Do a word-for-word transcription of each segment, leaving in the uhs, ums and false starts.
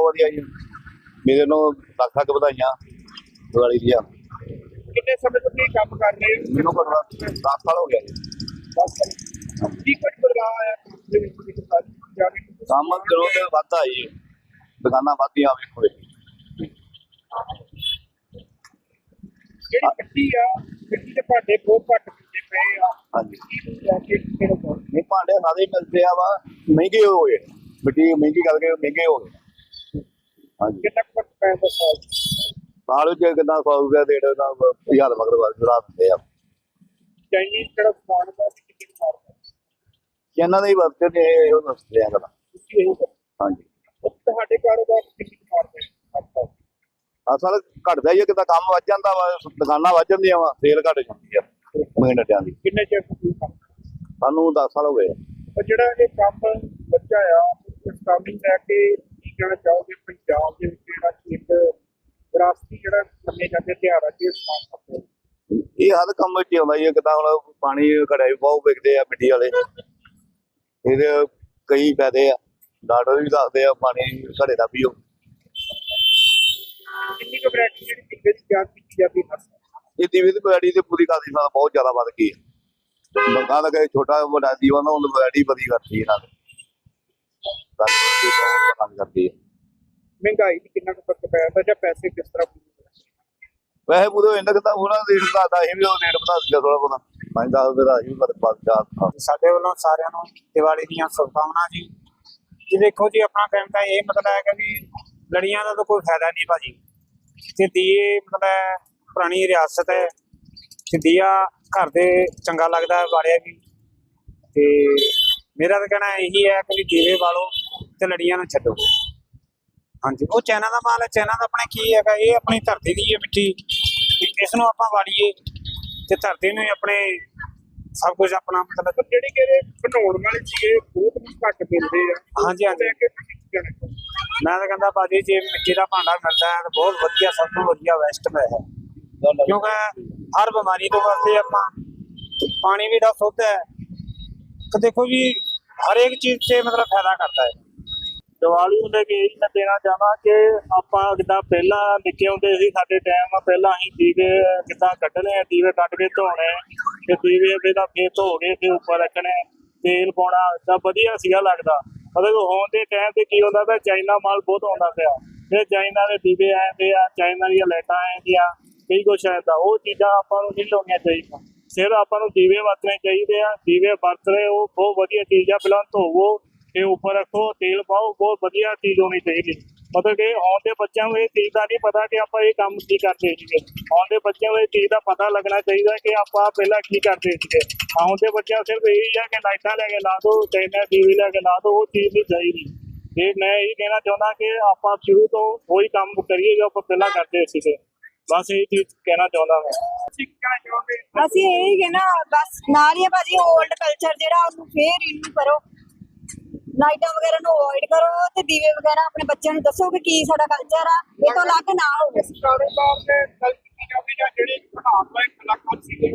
बहुत वधिया जी। मेरे नो लख लख बधाइयां दिवाली दी। कितने समय ਤੋਂ ਤੁਸੀਂ ਕੰਮ कर रहे हो? मैनू घट्टो घट्ट दस साल हो गया जी। दस साल ਕੀ ਕੁਝ ਬਦਲਾਅ ਆਇਆ ਕੰਮ ਦੇ ਵਿੱਚ ਤੁਸੀਂ ਸਾਰੀ ਜਾਣਕਾਰੀ काम चलो तो वाधा जी, दुकाना वाधियां वेखो। ਜਿਹੜੀ ਮਿੱਟੀ ਆ ਮਿੱਟੀ ਦੇ ਭਾਂਡੇ ਬਹੁਤ ਘੱਟ ਮਿਲਦੇ ਪਏ ਆ। हाँ जी, ਲੈ ਕੇ ਕਿਹੜਾ ਪਾਓ? नहीं भांडे सारे मिलते हैं वा महंगे हो गए, मिट्टी महंगी करके महंगे हो गए। हाँ जी, ਕਿੰਨਾ ਕੁ ਪੈ ਦੱਸੋ? साल कितना सौ रुपया डेढ़ हजार मगर चढ़ा दिंदे आ। ਚਾਈਨੀਜ਼ ਜਿਹੜਾ ਸਮਾਨ ਦਾ ਕਿੰਨੀ ਮਾਰਦਾ ਇਹਨਾਂ ਦਾ ਹੀ ਵਰਤੇ ਨੇ ਇਹੋ ਦੱਸਦੇ ਆ ਗੱਲਾਂ। ਤੁਸੀਂ ਇਹ ਦੱਸੋ। ਹਾਂਜੀ, ਤੁਹਾਡੇ ਕਾਰੋਬਾਰ ਕਿੰਨੀ ਮਾਰਦੇ ਅੱਛਾ ਅਸਲ ਘਟਦਾ ਹੀ ਆ, ਕਿਤਾ ਕੰਮ ਵੱਧ ਜਾਂਦਾ ਵਾ, ਦੁਕਾਨਾਂ ਵੱਧ ਜਾਂਦੀਆਂ ਵਾ, ਸੇਲ ਘਟ ਜਾਂਦੀ ਆ ਮਿੰਟਾਂ ਦੀ। ਕਿੰਨੇ ਚਿਰ ਤੋਂ ਤੁਸੀਂ ਕੰਮ ਸਾਨੂੰ ਦਸ ਸਾਲ ਹੋ ਗਏ। ਪਰ ਜਿਹੜਾ ਇਹ ਕੰਮ ਬੱਚਾ ਆ ਇਸ ਕੰਮ ਨੂੰ ਲੈ ਕੇ ਕੀ ਕਹਿਣਾ ਚਾਹੋਗੇ? ਪੰਜਾਬ ਦੇ ਵਿੱਚ ਜਿਹੜਾ ਇੱਕ ਵਿਰਾਸਤੀ ਜਿਹੜਾ ਮੰਨੇ ਜਾਂਦੇ ਤਿਉਹਾਰ ਆ ਜੀ ਸਮਾਨ ਕਰਦੇ ਇਹ ਹਰ ਕੰਮ ਵਿੱਚ ਆਉਂਦਾ ਹੀ ਆ। ਕਿਤਾ ਹੁਣ ਪਾਣੀ ਘੜਿਆ ਵੀ ਬਹੁਤ ਵਿਕਦੇ ਆ ਮਿੱਟੀ ਵਾਲੇ, ਇਹਦੇ ਕਈ ਫਾਇਦੇ ਆ। ਡਾਕਟਰ ਵੀ ਦੱਸਦੇ ਆ ਪਾਣੀ ਘੜੇ ਦਾ ਪੀਓ। ਕਿੰਨੀ ਕੁ ਵੈਰਾਈਟੀ ਜਿਹੜੀ ਟਿੱਕੇ ਦੀ ਤਿਆਰ ਕੀਤੀ ਜਾਂਦੀ ਹੈ? ਇਹ ਦੀਵੇ ਦੀ ਵੈਰਾਈਟੀ ਤੇ ਪੂਰੀ ਕਾਦੀ ਨਾਲ ਬਹੁਤ ਜ਼ਿਆਦਾ ਵੱਧ ਗਈ ਹੈ। ਲੋਕਾਂ ਦਾ ਕਹੇ ਛੋਟਾ ਵੱਡਾ ਦੀਵਾ ਨਾ ਉਹਨੂੰ ਵੈਰਾਈਟੀ ਵਧੀ ਕਰਦੀ ਇਹਨਾਂ ਨੇ ਬਹੁਤ ਪਸੰਦ ਕਰਦੀ ਹੈ। ਮਹਿੰਗਾਈ ਦੀ ਕਿੰਨਾ ਕੁ ਫਰਕ ਪਿਆ ਤਾਂ ਜਾਂ ਪੈਸੇ ਕਿਸ ਤਰ੍ਹਾਂ ਵੈਸੇ ਪੂਰੇ ਇਹਨਾਂ ਕਿਤਾ ਉਹਨਾਂ ਰੇਟ ਵਧਾਤਾ, ਇਹ ਵੀ ਉਹ ਰੇਟ ਵਧਾ ਦਿੱਤਾ ਥੋੜਾ ਬਹੁਤਾ ਪੰਜ ਦਸ ਰੁਪਏ ਦਾ ਹੀ ਫਰਕ ਪਾ ਦਿੱਤਾ। ਸਾਡੇ ਵੱਲੋਂ ਸਾਰਿਆਂ ਨੂੰ ਦੀਵਾਲੀ ਦੀਆਂ ਸ਼ੁਭਕਾਮਨਾਵਾਂ ਜੀ। ਜੀ ਦੇਖੋ ਜੀ, ਆਪਣਾ ਕਹਿਣ ਦਾ ਇਹ ਮਤਲਬ ਹੈ ਕਿ ਵੀ ਲੜੀਆਂ ਦਾ ਤਾਂ ਕੋਈ ਫਾਇਦਾ ਨਹੀਂ ਭਾਜੀ। ਤੇ ਦੀਏ ਮਤਲਬ ਪੁਰਾਣੀ ਰਿਆਸਤ ਹੈ ਤੇ ਦੀਆ ਘਰ ਦੇ ਚੰਗਾ ਲੱਗਦਾ ਹੈ ਵਾਲਿਆ ਵੀ। ਤੇ ਮੇਰਾ ਤਾਂ ਕਹਿਣਾ ਇਹੀ ਹੈ ਕਿ ਵੀ ਦੀਵੇ ਵਾਲੋ ਤੇ ਲੜੀਆਂ ਨੂੰ ਛੱਡੋ। ਹਾਂਜੀ, ਉਹ ਚਾਈਨਾ ਦਾ ਮਾਲ ਹੈ। ਚਾਈਨਾ ਦਾ ਆਪਣੇ ਕੀ ਹੈਗਾ, ਇਹ ਆਪਣੀ ਧਰਤੀ ਦੀ ਹੈ ਮਿੱਟੀ, ਇਸ ਨੂੰ ਆਪਾਂ ਵਾਲੀਏ ਤੇ ਧਰਤੀ ਨੂੰ ਆਪਣੇ ਸਭ ਕੁਝ ਆਪਣਾ ਮਤਲਬ ਜਿਹੜੇ ਕਿ ਬਣਾਉਣ ਵਾਲੇ ਸੀਗੇ ਬਹੁਤ ਘੱਟ ਮਿਲਦੇ ਆ। ਹਾਂਜੀ ਹਾਂਜੀ ਮੈਂ ਤਾਂ ਕਹਿੰਦਾ ਭਾਜੀ ਜੇ ਮਿੱਟੀ ਦਾ ਭਾਂਡਾ ਮਿਲਦਾ ਹੈ ਤਾਂ ਬਹੁਤ ਵਧੀਆ, ਸਭ ਤੋਂ ਵਧੀਆ ਵੈਸਟ ਹੈ। ਕਿਉਂਕਿ ਹਰ ਬਿਮਾਰੀ ਤੋਂ ਵਾਸਤੇ ਆਪਾਂ ਪਾਣੀ ਵੀ ਦਾ ਸ਼ੁੱਧ ਹੈ ਤੇ ਦੇਖੋ ਜੀ ਹਰੇਕ ਚੀਜ਼ 'ਚ ਮਤਲਬ ਫਾਇਦਾ ਕਰਦਾ ਹੈ। ਦੀਵਾਲੀ ਨੂੰ ਲੈ ਕੇ ਇਹੀ ਮੈਂ ਦੇਣਾ ਚਾਹਾਂ ਕਿ ਆਪਾਂ ਜਿੱਦਾਂ ਪਹਿਲਾਂ ਨਿੱਕੇ ਹੁੰਦੇ ਸੀ, ਸਾਡੇ ਟਾਈਮ ਪਹਿਲਾਂ ਅਸੀਂ ਦੀਵੇ ਕਿੱਦਾਂ ਕੱਢਣੇ, ਦੀਵੇ ਕੱਢ ਕੇ ਧੋਣੇ ਤੇ ਦੀਵੇ ਪਹਿਲਾਂ ਫੇਰ ਧੋ ਕੇ ਫਿਰ ਉੱਪਰ ਰੱਖਣੇ, ਤੇਲ ਪਾਉਣਾ, ਤਾਂ ਵਧੀਆ ਸੀਗਾ ਲੱਗਦਾ। ਮਤਲਬ ਹੁਣ ਦੇ ਟਾਈਮ ਤੇ ਕੀ ਹੁੰਦਾ ਪਿਆ, ਚਾਈਨਾ ਮਾਲ ਬਹੁਤ ਆਉਂਦਾ ਪਿਆ। ਫਿਰ ਚਾਈਨਾ ਦੇ ਦੀਵੇ ਆਉਂਦੇ ਆ, ਚਾਈਨਾ ਦੀਆਂ ਲਾਈਟਾਂ ਆਉਂਦੀਆਂ, ਕਈ ਕੁਛ ਆਉਂਦਾ। ਉਹ ਚੀਜ਼ਾਂ ਆਪਾਂ ਨੂੰ ਨਹੀਂ ਲਾਉਣੀਆਂ ਚਾਹੀਦੀਆਂ। ਸਿਰ ਆਪਾਂ ਨੂੰ ਦੀਵੇ ਵਰਤਣੇ ਚਾਹੀਦੇ ਆ। ਦੀਵੇ ਵਰਤਣੇ ਉਹ ਬਹੁਤ ਵਧੀਆ ਚੀਜ਼ ਆ। ਪਹਿਲਾਂ ਧੋਵੋ ਤੇ ਉੱਪਰ ਰੱਖੋ, ਤੇਲ ਪਾਓ, ਬਹੁਤ ਵਧੀਆ ਚੀਜ਼ ਹੋਣੀ ਚਾਹੀਦੀ। ਮਤਲਬ ਕਿ ਆਉਣ ਦੇ ਬੱਚਿਆਂ ਨੂੰ ਇਹ ਚੀਜ਼ ਦਾ ਨਹੀਂ ਪਤਾ ਕਿ ਆਪਾਂ ਇਹ ਕੰਮ ਕੀ ਕਰਦੇ ਸੀਗੇ। ਆਉਣ ਦੇ ਬੱਚਿਆਂ ਨੂੰ ਇਹ ਚੀਜ਼ ਦਾ ਪਤਾ ਲੱਗਣਾ ਚਾਹੀਦਾ ਕਿ ਆਪਾਂ ਪਹਿਲਾਂ ਕੀ ਕਰਦੇ ਸੀਗੇ। ਆਉਣ ਦੇ ਬੱਚਿਆਂ ਸਿਰਫ ਇਹੀ ਹੈ ਕਿ ਲਾਈਟਾਂ ਲੈ ਕੇ ਲਾ ਦਿਓ, ਚਾਈਨਾ ਦੀਵੇ ਲੈ ਕੇ ਲਾ ਦਿਓ, ਉਹ ਚੀਜ਼ ਨਹੀਂ ਚਾਹੀਦੀ। ਤੇ ਮੈਂ ਇਹ ਕਹਿਣਾ ਚਾਹੁੰਦਾ ਕਿ ਆਪਾਂ ਸ਼ੁਰੂ ਤੋਂ ਉਹੀ ਕੰਮ ਕਰੀਏ ਜੋ ਆਪਾਂ ਪਹਿਲਾਂ ਕਰਦੇ ਸੀਗੇ। ਬਸ ਇਹ ਚੀਜ਼ ਕਹਿਣਾ ਚਾਹੁੰਦਾ ਮੈਂ। ਅਸੀਂ ਇਹੀ ਕਹਿਣਾ ਬਸ ਨਾਲ ਹੀ ਭਾਜੀ ਓਲਡ ਕਲਚਰ ਜਿਹੜਾ ਉਹਨੂੰ ਫੇਰ ਰਿਨਿਊ ਕਰੋ, ਲਾਈਟਾਂ ਵਗੈਰਾ ਨੂੰ ਅਵੋਇਡ ਕਰੋ ਤੇ ਦੀਵੇ ਵਗੈਰਾ ਆਪਣੇ ਬੱਚਿਆਂ ਨੂੰ ਦੱਸੋ ਕਿ ਕੀ ਸਾਡਾ ਕਲਚਰ ਆ, ਇਹ ਤੋਂ ਅਲੱਗ ਨਾ ਹੋਵੇ। ਕਾਰੋਬਾਰ ਦੇ ਗੱਲ ਕੀਤੀ ਜਾਵੇ ਜਾਂ ਜਿਹੜੀ ਬਣਾਉਣ ਵਾਲੇ ਕਲਾਕਾਰ ਸੀਗੇ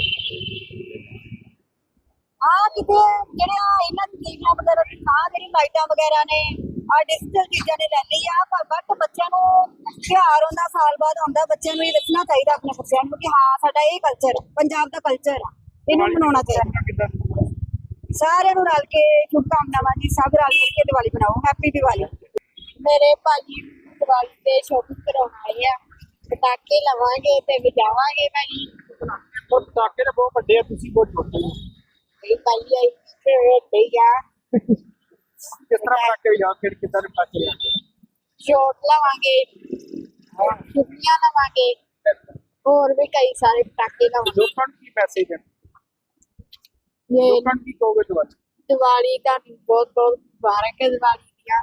ਆ ਕਿਤੇ ਜਿਹੜਿਆ ਇਹਨਾਂ ਦੀ ਦੀਵਿਆਂ ਵਗੈਰਾ ਦੀ ਥਾਂ ਜਿਹੜੀ ਲਾਈਟਾਂ ਵਗੈਰਾ ਨੇ ਆ ਡਿਜੀਟਲ ਚੀਜ਼ਾਂ ਨੇ ਲੈ ਲਈ ਆ। ਪਰ ਬਟ ਬੱਚਿਆਂ ਨੂੰ ਤਿਉਹਾਰ ਹੁੰਦਾ, ਸਾਲ ਬਾਅਦ ਆਉਂਦਾ, ਬੱਚਿਆਂ ਨੂੰ ਇਹ ਦੱਸਣਾ ਚਾਹੀਦਾ ਆਪਣੇ ਬੱਚਿਆਂ ਨੂੰ ਕਿ ਹਾਂ ਸਾਡਾ ਇਹ ਕਲਚਰ ਪੰਜਾਬ ਦਾ ਕਲਚਰ ਆ, ਇਹਨੂੰ ਮਨਾਉਣਾ ਚਾਹੀਦਾ। ਸਾਰਿਆਂ ਨੂੰ ਰਲ ਕੇ ਸ਼ੁਭਕਾਮਨਾਵਾਂ ਜੀ। ਸਭ ਰਲ ਮਿਲ ਕੇ ਦੀਵਾਲੀ ਮਨਾਓ। ਹੈਪੀ ਦੀਵਾਲੀ। ਮੇਰੇ ਭਾਜੀ ਦੀਵਾਲੀ ਤੇ ਸ਼ੋਪਿੰਗ ਕਰਾਉਣ ਆਏ ਆ, ਪਟਾਕੇ ਲਵਾਂਗੇ ਤੇ ਵਜਾਵਾਂਗੇ ਭਾਜੀ। ਉਹ ਪਟਾਕੇ ਤਾਂ ਬਹੁਤ ਵੱਡੇ ਆ, ਤੁਸੀਂ ਬਹੁਤ ਛੋਟੇ ਹੋ। ਇਹ ਭਾਈ ਆਈ ਤੇ ਵੇਖ ਆ ਕਿਸ ਤਰ੍ਹਾਂ ਪਟਾਕੇ ਵਜਾ ਫਿਰ ਕਿੱਦਾਂ ਦੇ ਪਟਾਕੇ ਲਿਆਂਦੇ? ਸ਼ੋਟ ਲਵਾਂਗੇ, ਛੁੱਟੀਆਂ ਲਵਾਂਗੇ, ਹੋਰ ਵੀ ਕਈ ਸਾਰੇ ਪਟਾਕੇ ਲਵਾਂਗੇ। ਲੋਕਾਂ ਨੂੰ ਕੀ ਮੈਸੇਜ ਹੈ? ਇਹ ਲੋਕਾਂ ਨੂੰ ਕੀ ਕਹੋਗੇ ਦੀਵਾਲੀ? ਦੀਵਾਲੀ ਦਾ ਬਹੁਤ ਬਹੁਤ ਮੁਬਾਰਕ ਹੈ। ਦੀਵਾਲੀ ਦੀਆਂ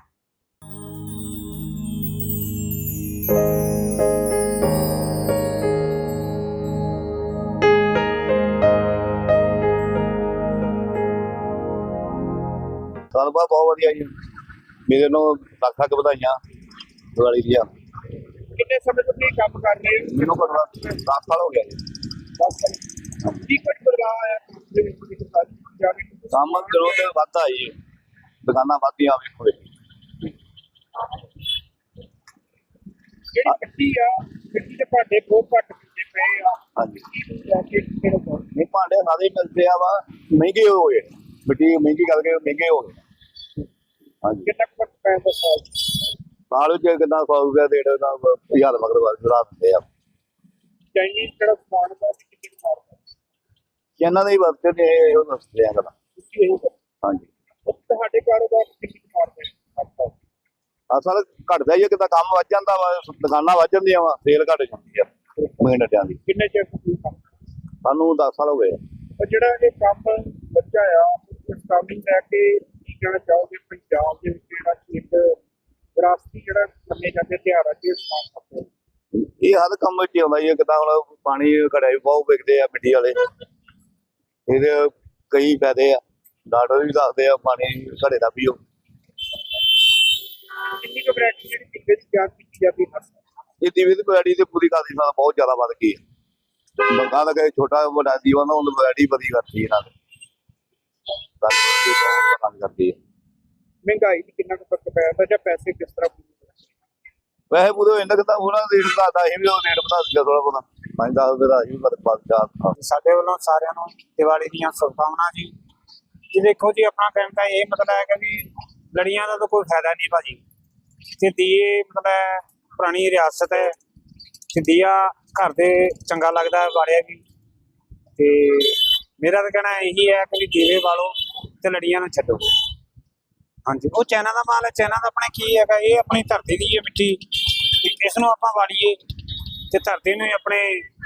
ਸਾਲ ਬਾਅਦ ਬਹੁਤ ਵਧੀਆ ਜੀ। ਮੇਰੇ ਨੂੰ ਲੱਖ ਲੱਖ ਵਧਾਈਆਂ ਦਿਵਾਲੀ ਦੀਆਂ। ਕਿੰਨੇ ਸਮੇਂ ਤੋਂ ਤੁਸੀਂ ਕੰਮ ਕਰ ਰਹੇ ਹੋ? ਮੈਨੂੰ ਘੱਟੋ ਘੱਟ ਦਸ ਸਾਲ ਹੋ ਗਿਆ ਜੀ। ਦਸ ਸਾਲ ਕੀ ਕੁਝ ਬਦਲਾਅ ਆਇਆ ਕੰਮ ਦੇ ਵਿੱਚ ਤੁਸੀਂ ਸਾਰੀ ਜਾਣਕਾਰੀ ਕੰਮ ਚਲੋ ਤੇ ਵਾਧਾ ਜੀ, ਦੁਕਾਨਾਂ ਵੱਧਦੀਆਂ ਵੇਖੋ। ਜਿਹੜੀ ਮਿੱਟੀ ਆ ਮਿੱਟੀ ਦੇ ਭਾਂਡੇ ਬਹੁਤ ਘੱਟ ਮਿਲਦੇ ਪਏ ਆ ਹਾਂਜੀ ਲੈ ਕੇ ਕਿਹੜੇ ਕੋਲ ਨਹੀਂ ਭਾਂਡੇ ਸਾਰੇ ਮਿਲਦੇ ਆ ਵਾ ਮਹਿੰਗੇ ਹੋ ਗਏ ਮਿੱਟੀ ਮਹਿੰਗੀ ਕਰਕੇ ਮਹਿੰਗੇ ਹੋ ਗਏ ਹਾਂਜੀ ਕਿੰਨਾ ਕੁ ਫਰਕ ਪੈਂਦਾ ਸਾਲ ਚ? ਸਾਲ ਵਿੱਚ ਕਿੰਨਾ ਸੌ ਰੁਪਇਆ ਡੇਢ ਦਾ ਹਜ਼ਾਰ ਮਗਰ ਵਾਰ ਰਾਤ ਦਿੰਦੇ ਆ ਚਾਈਨੀਜ਼ ਜਿਹੜਾ ਸਮਾਨ ਦਾ ਕਿੰਨੀ ਮਾਰਦਾ ਇਹਨਾਂ ਦੇ ਹੀ ਵਰਤੇ ਨੇ ਉਹ ਦੱਸਦੇ ਆ ਗੱਲਾਂ ਤੁਸੀਂ ਇਹ ਕਰੋ। ਹਾਂਜੀ ਉਹ ਤੁਹਾਡੇ ਕਾਰੋਬਾਰ ਚ ਕਿੰਨੀ ਮਾਰਦਾ ਅਸਲ ਘਟਦਾ ਹੀ ਆ ਕਿਤਾ ਕੰਮ ਵੱਧ ਜਾਂਦਾ ਵਾ ਦੁਕਾਨਾਂ ਵੱਧ ਜਾਂਦੀਆਂ ਵਾ ਸੇਲ ਘਟ ਜਾਂਦੀ ਆ ਮੇਨ ਅੱਡਿਆਂ ਦੀ ਕਿੰਨੇ ਚਿਰ ਤੋਂ ਤੁਸੀਂ ਕੰਮ ਕਰਦੇ ਹੋ? ਸਾਨੂੰ ਦਸ ਸਾਲ ਹੋ ਗਏ ਆ। ਪਰ ਜਿਹੜਾ ਇਹ ਕੰਮ ਬੱਚਾ ਆ ਇਸ ਕੰਮ ਨੂੰ ਲੈ ਕੇ ਕੀ ਕਹਿਣਾ ਚਾਹੋਗੇ ਪੰਜਾਬ ਦੇ ਵਿੱਚ ਜਿਹੜਾ ਇੱਕ ਵਿਰਾਸਤੀ ਜਿਹੜਾ ਮੰਨੇ ਜਾਂਦੇ ਤਿਉਹਾਰ ਆ ਜੀ ਸਮਾਨ ਕਰਦੇ ਇਹ ਹਰ ਕੰਮ ਵਿੱਚ ਹੀ ਆਉਂਦਾ ਹੀ ਆ ਕਿਤਾ ਹੁਣ ਪਾਣੀ ਘੜਿਆ ਵੀ ਬਹੁਤ ਵਿਕਦੇ ਆ ਮਿੱਟੀ ਵਾਲੇ ਇਹਦੇ ਕਈ ਫਾਇਦੇ ਆ ਡਾਕਟਰ ਵੀ ਦੱਸਦੇ ਆ ਪਾਣੀ ਘੜੇ ਦਾ ਪੀਓ ਕਿੰਨੀ ਕੁ ਵੈਰਾਈਟੀ ਜਿਹੜੀ ਪੀਂਦੇ ਦੀ ਤਿਆਰ ਕੀਤੀ ਜਾਂਦੀ ਹੈ ਇਹ ਦੀਵੇ ਦੀ ਵੈਰਾਈਟੀ ਤੇ ਪੂਰੀ ਕਾਦੀ ਨਾਲ ਬਹੁਤ ਜ਼ਿਆਦਾ ਵੱਧ ਗਈ ਹੈ ਲੋਕਾਂ ਦਾ ਕਹੇ ਛੋਟਾ ਵੱਡਾ ਦੀਵਾ ਨਾ ਉਹਨੂੰ ਵੈਰਾਈਟੀ ਵਧੀ ਕਰਤੀ ਇਹਨਾਂ ਨੇ ਕਾਫੀ ਬਹੁਤ ਕੰਮ ਕਰਦੀ ਹੈ ਮਹਿੰਗਾਈ ਦੀ ਕਿੰਨਾ ਕੁ ਫਰਕ ਪੈਂਦਾ ਜਾਂ ਪੈਸੇ ਕਿਸ ਤਰ੍ਹਾਂ ਵੈਸੇ ਪੂਰੇ ਇਹਨਾਂ ਕਿਤਾ ਉਹਨਾਂ ਦਾ ਰੇਟ ਦਾ ਇਹ ਵੀ ਉਹ ਰੇਟ ਵਧਾ ਦਿੱਤਾ ਥੋੜਾ ਬਹੁਤਾ ਪੰਜ ਦਸ ਰੁਪਏ ਦਾ ਇਹ ਵੀ ਫਰਕ ਪਾ ਦਿੱਤਾ ਸਾਡੇ ਵੱਲੋਂ ਸਾਰਿਆਂ ਨੂੰ ਦੀਵਾਲੀ ਦੀਆਂ ਸ਼ੁਭਕਾਮਨਾਵਾਂ ਜੀ ਜੀ ਦੇਖੋ ਜੀ ਆਪਣਾ ਕਹਿਣ ਦਾ ਇਹ ਮਤਲਬ ਹੈ ਕਿ ਵੀ ਲੜੀਆਂ ਦਾ ਤਾਂ ਕੋਈ ਫਾਇਦਾ ਨਹੀਂ ਭਾਜੀ ਤੇ ਦੀਏ ਮਤਲਬ ਪੁਰਾਣੀ ਰਿਆਸਤ ਹੈ ਤੇ ਦੀਆ ਘਰ ਦੇ ਚੰਗਾ ਲੱਗਦਾ ਹੈ ਵਾਲਿਆ ਵੀ ਤੇ ਮੇਰਾ ਤਾਂ ਕਹਿਣਾ ਇਹੀ ਹੈ ਕਿ ਵੀ ਦੀਵੇ ਵਾਲੋ ਤੇ ਲੜੀਆਂ ਨੂੰ ਛੱਡੋ ਹਾਂਜੀ ਉਹ ਚਾਈਨਾ ਦਾ ਮਾਲ ਹੈ ਚਾਈਨਾ ਦਾ ਆਪਣੇ ਕੀ ਹੈਗਾ ਇਹ ਆਪਣੀ ਧਰਤੀ ਦੀ ਹੈ ਮਿੱਟੀ ਇਸ ਨੂੰ ਆਪਾਂ ਵਾਲੀਏ ਤੇ ਧਰਤੀ ਨੂੰ ਹੀ ਆਪਣੇ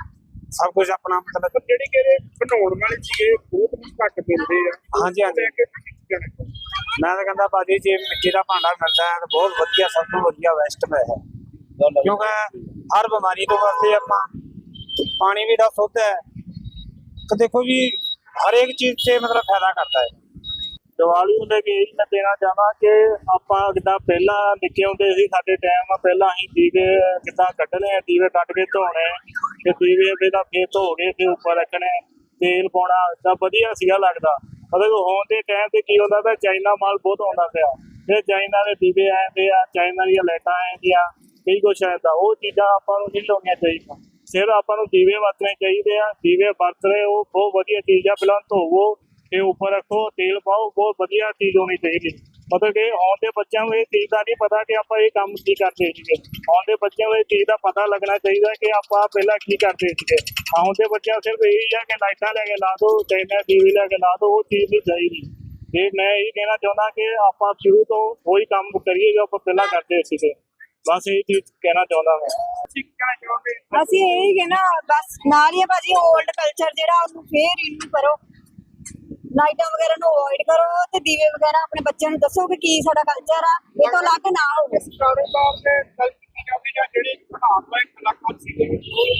ਸਭ ਕੁਝ ਆਪਣਾ ਮਤਲਬ ਜਿਹੜੀ ਕਿ ਬਣਾਉਣ ਵਾਲੇ ਸੀਗੇ ਬਹੁਤ ਘੱਟ ਮਿਲਦੇ ਆ ਹਾਂਜੀ ਹਾਂਜੀ ਲੈ ਕੇ ਤੁਸੀਂ ਕੀ ਕਹਿਣਾ ਚਾਹੋਗੇ? ਮੈਂ ਤਾਂ ਕਹਿੰਦਾ ਭਾਜੀ ਜੇ ਮਿੱਟੀ ਦਾ ਭਾਂਡਾ ਮਿਲਦਾ ਹੈ ਤਾਂ ਬਹੁਤ ਵਧੀਆ ਸਭ ਤੋਂ ਵਧੀਆ ਵੈਸਟ ਹੈ ਕਿਉਂਕਿ ਹਰ ਬਿਮਾਰੀ ਤੋਂ ਵਾਸਤੇ ਆਪਾਂ ਪਾਣੀ ਵੀ ਦਾ ਸ਼ੁੱਧ ਹੈ ਤੇ ਦੇਖੋ ਜੀ ਹਰ ਇੱਕ ਚੀਜ਼ 'ਚ ਮਤਲਬ ਫਾਇਦਾ ਕਰਦਾ ਹੈ ਦੀਵਾਲੀ ਨੂੰ ਲੈ ਕੇ ਇਹ ਮੈਂ ਦੇਣਾ ਚਾਹਾਂ ਕਿ ਆਪਾਂ ਜਿੱਦਾਂ ਪਹਿਲਾਂ ਨਿੱਕੇ ਹੁੰਦੇ ਸੀ ਸਾਡੇ ਟਾਈਮ ਪਹਿਲਾਂ ਅਸੀਂ ਦੀਵੇ ਕਿੱਦਾਂ ਕੱਢਣੇ ਆ ਦੀਵੇ ਕੱਢ ਕੇ ਧੋਣੇ ਤੇ ਦੀਵੇ ਇਹਦਾ ਫੇਰ ਧੋ ਕੇ ਫਿਰ ਉੱਪਰ ਰੱਖਣੇ ਤੇਲ ਪਾਉਣਾ ਤਾਂ ਵਧੀਆ ਸੀਗਾ ਲੱਗਦਾ ਮਤਲਬ ਹੋਣ ਦੇ ਟਾਈਮ ਤੇ ਕੀ ਹੁੰਦਾ ਤਾਂ ਚਾਈਨਾ ਮਾਲ ਬਹੁਤ ਆਉਂਦਾ ਪਿਆ ਫਿਰ ਚਾਈਨਾ ਦੇ ਦੀਵੇ ਆਉਂਦੇ ਆ ਚਾਈਨਾ ਦੀਆਂ ਲਾਈਟਾਂ ਆਉਂਦੀਆਂ ਕਈ ਕੁਛ ਆਉਂਦਾ ਉਹ ਚੀਜ਼ਾਂ ਆਪਾਂ ਨੂੰ ਨਹੀਂ ਲਾਉਣੀਆਂ ਚਾਹੀਦੀਆਂ ਸਿਰ ਆਪਾਂ ਨੂੰ ਦੀਵੇ ਵਰਤਣੇ ਚਾਹੀਦੇ ਆ ਦੀਵੇ ਵਰਤਣੇ ਉਹ ਬਹੁਤ ਵਧੀਆ ਚੀਜ਼ ਆ ਪਹਿਲਾਂ ਧੋਵੋ ਤੇ ਉੱਪਰ ਰੱਖੋ ਤੇਲ ਪਾਓ ਬਹੁਤ ਵਧੀਆ ਚੀਜ਼ ਹੋਣੀ ਚਾਹੀਦੀ ਮਤਲਬ ਕਿ ਆਉਣ ਦੇ ਬੱਚਿਆਂ ਨੂੰ ਇਹ ਚੀਜ਼ ਦਾ ਨਹੀਂ ਪਤਾ ਕਿ ਆਪਾਂ ਇਹ ਕੰਮ ਕੀ ਕਰਦੇ ਸੀਗੇ ਆਉਣ ਦੇ ਬੱਚਿਆਂ ਨੂੰ ਇਹ ਚੀਜ਼ ਦਾ ਪਤਾ ਲੱਗਣਾ ਚਾਹੀਦਾ ਕਿ ਆਪਾਂ ਪਹਿਲਾਂ ਕੀ ਕਰਦੇ ਸੀਗੇ ਆਉਣ ਦੇ ਬੱਚਿਆਂ ਸਿਰਫ ਇਹੀ ਆ ਕਿ ਲਾਈਟਾਂ ਲੈ ਕੇ ਲਾ ਦੋ ਚਾਈਨਾ ਟੀਵੀ ਲੈ ਕੇ ਲਾ ਦੋ ਉਹ ਚੀਜ਼ ਨਹੀਂ ਚਾਹੀਦੀ ਤੇ ਮੈਂ ਇਹ ਕਹਿਣਾ ਚਾਹੁੰਦਾ ਕਿ ਆਪਾਂ ਸ਼ੁਰੂ ਤੋਂ ਉਹੀ ਕੰਮ ਕਰੀਏ ਜੋ ਆਪਾਂ ਪਹਿਲਾਂ ਕਰਦੇ ਸੀਗੇ ਬਸ ਇਹ ਚੀਜ਼ ਕਹਿਣਾ ਚਾਹੁੰਦਾ ਮੈਂ ਤੁਸੀਂ ਕੀ ਕਹਿਣਾ ਚਾਹੋਗੇ ਅਸੀਂ ਇਹੀ ਕਹਿਣਾ ਬਸ ਨਾਲ ਹੀ ਆ ਭਾਜੀ 올ਡ ਕਲਚਰ ਜਿਹੜਾ ਉਹਨੂੰ ਫੇਰ ਰਿਨਿਊ ਕਰੋ ਲਾਈਟਾਂ ਵਗੈਰਾ ਨੂੰ ਅਵੋਇਡ ਕਰੋ ਤੇ ਦੀਵੇ ਵਗੈਰਾ ਆਪਣੇ ਬੱਚਿਆਂ ਨੂੰ ਦੱਸੋ ਕਿ ਕੀ ਸਾਡਾ ਕਲਚਰ ਆ ਇਹ ਤੋਂ ਅਲੱਗ ਨਾ ਹੋਵੇ ਕਾਰੋਬਾਰ ਦੇ ਗੱਲ ਕੀਤੀ ਜਾਵੇ ਜਾਂ ਜਿਹੜੇ ਬਣਾਉਣ ਵਾਲੇ ਕਲਾਕਾਰ ਸੀਗੇ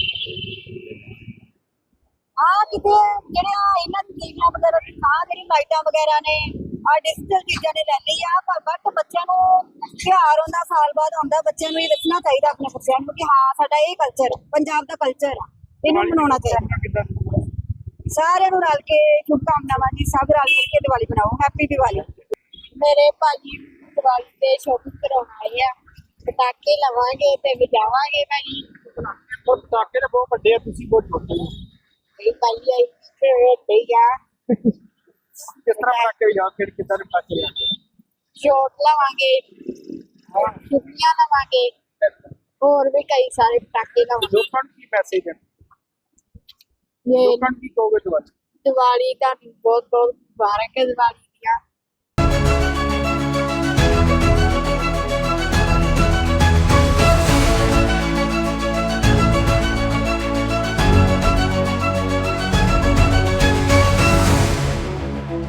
ਆ ਕਿਤੇ ਜਿਹੜੇ ਆ ਇਹਨਾਂ ਦੀ ਦੀਵਿਆਂ ਵਗੈਰਾ ਦੀ ਆ ਜਿਹੜੀ ਲਾਈਟਾਂ ਵਗੈਰਾ ਨੇ ਆ ਡਿਜੀਟਲ ਚੀਜ਼ਾਂ ਨੇ ਲੈ ਲਈ ਆ ਪਰ ਬਟ ਬੱਚਿਆਂ ਨੂੰ ਤਿਉਹਾਰ ਹੁੰਦਾ ਸਾਲ ਬਾਅਦ ਆਉਂਦਾ ਬੱਚਿਆਂ ਨੂੰ ਇਹ ਦੱਸਣਾ ਚਾਹੀਦਾ ਆਪਣੇ ਬੱਚਿਆਂ ਨੂੰ ਕਿ ਹਾਂ ਸਾਡਾ ਇਹ ਕਲਚਰ ਪੰਜਾਬ ਦਾ ਕਲਚਰ ਆ ਇਹਨੂੰ ਮਨਾਉਣਾ ਚਾਹੀਦਾ ਸਾਰਿਆਂ ਨੂੰ ਰਲ ਕੇ ਸ਼ੁਭਕਾਮਨਾਵਾਂ ਜੀ ਸਭ ਰਲ ਮਿਲ ਕੇ ਦੀਵਾਲੀ ਮਨਾਓ ਹੈਪੀ ਦੀਵਾਲੀ ਮੇਰੇ ਭਾਜੀ ਦੀਵਾਲੀ ਤੇ ਸ਼ੋਪਿੰਗ ਕਰਾਉਣ ਆਏ ਆ ਪਟਾਕੇ ਲਵਾਂਗੇ ਤੇ ਵਜਾਵਾਂਗੇ ਭਾਜੀ ਉਹ ਪਟਾਕੇ ਤਾਂ ਬਹੁਤ ਵੱਡੇ ਆ ਤੁਸੀਂ ਬਹੁਤ ਛੋਟੇ ਹੋ ਇਹ ਭਾਈ ਆਈ ਤੇ ਤੇ ਆ ਕਿਸ ਤਰ੍ਹਾਂ ਪਟਾਕੇ ਜਾਂ ਫਿਰ ਕਿੱਦਾਂ ਦੇ ਪਟਾਕੇ ਲਿਆਂਦੇ ਸ਼ੋਟ ਲਵਾਂਗੇ ਛੁੱਟੀਆਂ ਲਵਾਂਗੇ ਹੋਰ ਵੀ ਕਈ ਸਾਰੇ ਪਟਾਕੇ ਲਵਾਂਗੇ ਲੋਕਾਂ ਨੂੰ ਕੀ ਮੈਸੇਜ ਹੈ ਇਹ ਲੋਕਾਂ ਨੂੰ ਕੀ ਕਹੋਗੇ ਤੁਹਾਡੇ ਦੀਵਾਲੀ ਦਾ ਬਹੁਤ ਬਹੁਤ ਮੁਬਾਰਕ ਹੈ ਦੀਵਾਲੀ